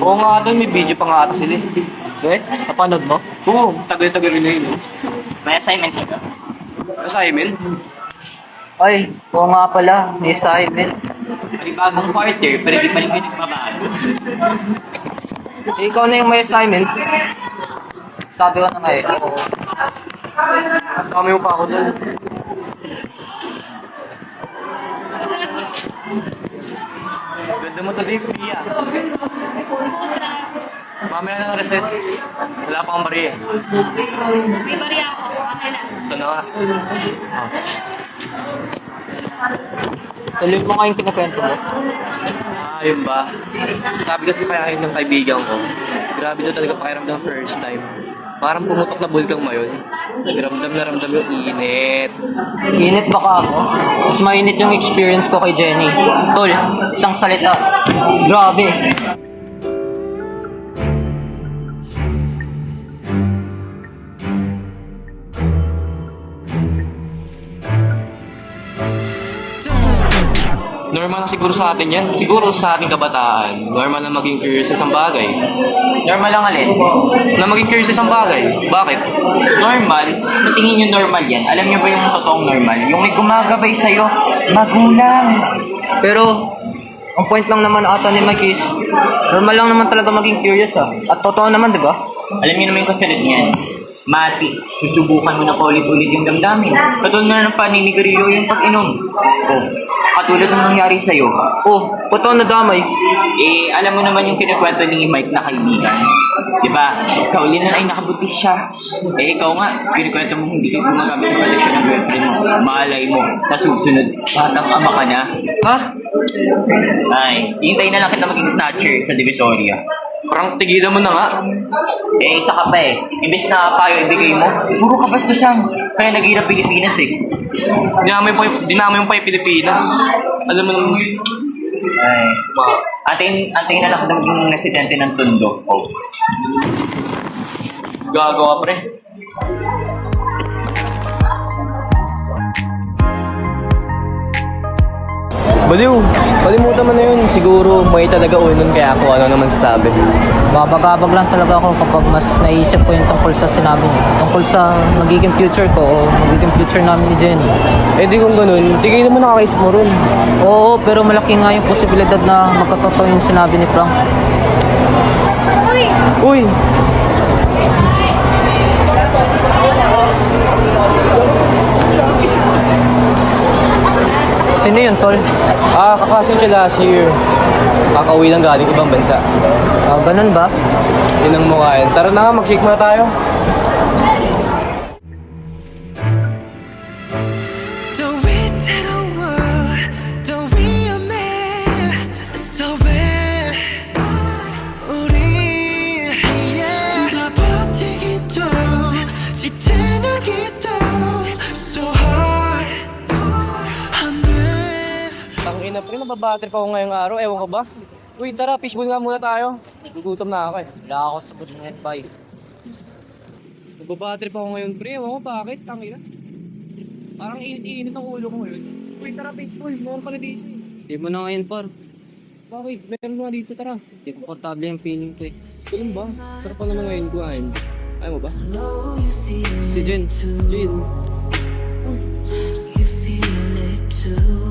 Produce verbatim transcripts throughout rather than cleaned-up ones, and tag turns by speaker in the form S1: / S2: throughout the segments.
S1: Oo nga doon, may video pa nga ata sila eh. Eh, napanood mo? Oo, tagal-tagal rin na yun. eh.
S2: May assignment ka.
S1: Assignment?
S3: Ay, oo nga pala, may assignment.
S2: May bagong quarter, pero di pa rin kayo nagbabago.
S3: Eh, ikaw na yung may assignment. Sabi ko na nga eh. Oo.
S1: Kami mo pa ako doon. Ganda mo today, Pia. Mamaya na ng recess. Wala pa akong bariya.
S4: May bariya ako. Okay na.
S1: Ito na nga. Oh.
S3: Tuloy mo nga yung kinakwento mo.
S1: Ah, yun ba? Sabi kasi kaya yun ng kaibigan ko. Grabe na talaga pakiramdam first time. Parang pumutok na bulkang mayon. Ramdam na ramdam yung init.
S3: Init baka ako. Mas mainit yung experience ko kay Jenny. Tol, isang salita. Grabe.
S1: Normal na siguro sa atin yan. Siguro sa ating kabataan, normal na maging curious sa isang bagay.
S2: Normal lang alin.
S1: Na maging curious sa isang bagay. Bakit?
S2: Normal? Kung tingin nyo normal yan, alam nyo ba yung totoong normal? Yung may gumagabay sa'yo, magulang.
S3: Pero, ang point lang naman ata ni Mike is, normal lang naman talaga maging curious ah. At totoo naman, di ba?
S2: Alam nyo naman yung kasunod niyan. Mati, susubukan mo na paulit-ulit yung damdamin. Katulad na ng paninigarilyo yung pag-inom. O, katulad ng nangyari sa'yo.
S3: Oh, totoo na damay.
S2: Eh, alam mo naman yung kinakwento ni Mike na kaibigan. Diba? Sa uli na ay nakabuntis siya. Eh, ikaw nga, kinakwento mo hindi ka gumagamit ng protection ng girlfriend mo. Malay mo, sa susunod, batang ama ka na.
S3: Ha?
S2: Ay, hintayin na lang kita maging snatcher sa Divisoria.
S1: Parang tigilan mo na nga.
S2: Eh, isa ka pa eh. Imbes na payo ibigay mo, puro ka bastusan. Kaya naghirap Pilipinas eh.
S1: Dinamay mo pa yung, dinamay mo pa yung Pilipinas. Alam mo naman.
S2: Ay, antayin, antayin na lang kita maging residente ng Tondo. Oh.
S1: Gagawa pre. Baliw, kalimutan mo na yun. Siguro may talaga unon kaya ako ano naman sasabi.
S3: Babagabag lang talaga ako kapag mas naisip ko yung tungkol sa sinabi niya. Tungkol sa magiging future ko o magiging future namin ni Jenny.
S1: Eh di kung ganun, tigay naman nakakaisip mo ron.
S3: Oo, pero malaki nga yung posibilidad na magkatotoo yung sinabi ni Frank.
S4: Uy!
S1: Uy!
S3: Sino yun, Tol?
S1: Ah, kakasin siya last year. Kakauwi lang galing ibang bansa.
S3: Ah, ganun ba?
S1: Yun ang mukha yan. Tara na nga, mag-shake muna tayo. Tangina pre, nababattery pa ako ngayong araw. Ewan ko ba? Uy, tara, fishbowl nga muna tayo. Gugutom na ako eh.
S3: Wala ako sa good night, bye.
S1: Nababattery pa ako ngayon pre. Ewan ko bakit, tangina. Parang init-init ang ulo ko ngayon. Uy, tara, fishbowl. Meron pala dito eh.
S3: Hindi mo na ngayon, par.
S1: Bakit? Meron nga dito, tara.
S3: Hindi komportable yung feeling ko eh.
S1: Ganun ba? Sarap pa naman ngayon kuhain. Ayaw mo ba?
S3: Si Jen.
S1: Jin.
S5: You feel it too.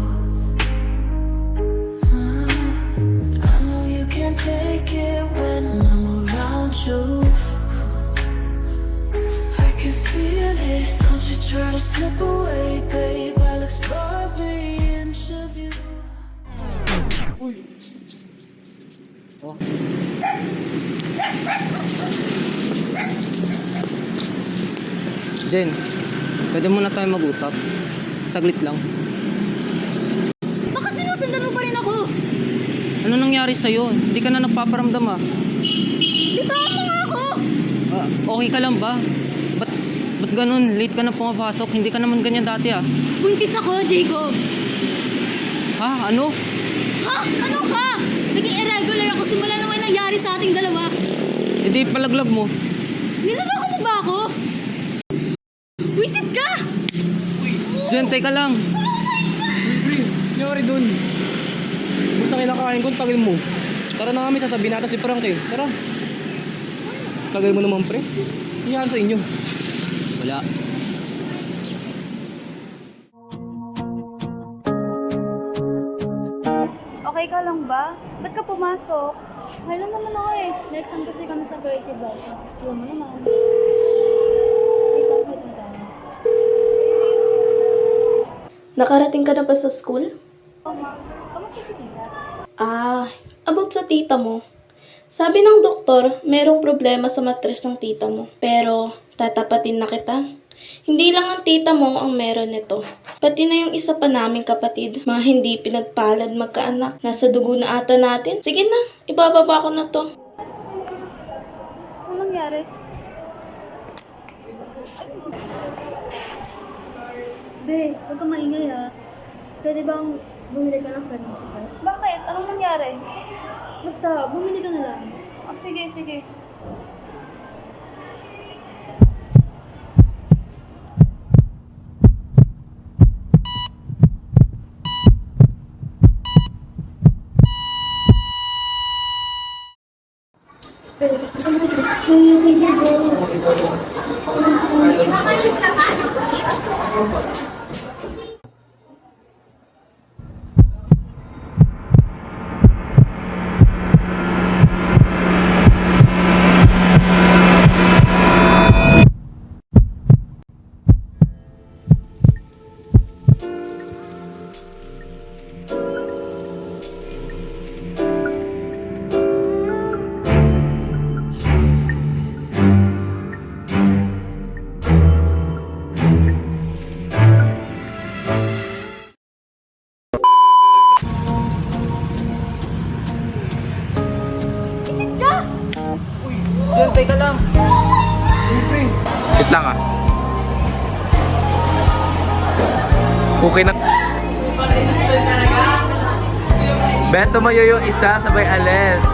S5: I know you can't take it when I'm around you. I can feel it. Don't you try to slip away, babe. I'll explore every inch of you.
S3: Oh. Jen, pwede muna tayo mag-usap. Saglit lang.
S4: Baka sinusundan mo pa rin ako!
S3: Ano nangyari sa'yo? Hindi ka na nagpaparamdam ah.
S4: Bitawan mo nga ako!
S3: Ah, okay ka lang ba? Ba't, ba't ganun? Late ka na pumapasok. Hindi ka naman ganyan dati ah.
S4: Buntis ako, Jacob!
S3: Ha? Ano?
S4: Ha? Ano ka? Naging irregular ako simula nang may nangyari sa ating dalawa.
S3: E di palaglag mo.
S4: Niloloko mo ba ako? Wisit ka!
S3: Jen, teka lang.
S1: Pre, nangyari dun. Basta kinakain ko, tagal mo. Tara na nga, may sasabihin natin si Frank eh. Tara. Kagay mo naman, pre. Nangyari sa inyo. Wala.
S6: Okay ka lang ba? Ba't ka pumasok? Okay lang naman ako eh. Next time kasi kami sa Creative Life. Alam mo naman. Ikaw, wait na tayo.
S7: Nakarating ka na ba sa school?
S6: Oh, ma. Kamusta si tita?
S7: Ah, about sa tita mo. Sabi ng doktor, merong problema sa matres ng tita mo. Pero, tatapatin na kita. Hindi lang ang tita mo ang meron nito. Pati na yung isa pa naming kapatid, mga hindi pinagpalad magkaanak. Nasa dugo na ata natin. Sige na, ibababa ko na to.
S6: Ano nangyari? Be, huwag kang maingay ha. Pwede bang bumili ka ng pregnancy test? Bakit? Anong nangyari? Basta, bumili ka na lang. Oh, sige, sige.
S3: Jun, teka lang.
S1: Wait lang ah. Okay na. Bet, tumayo yung isa, sabay alis.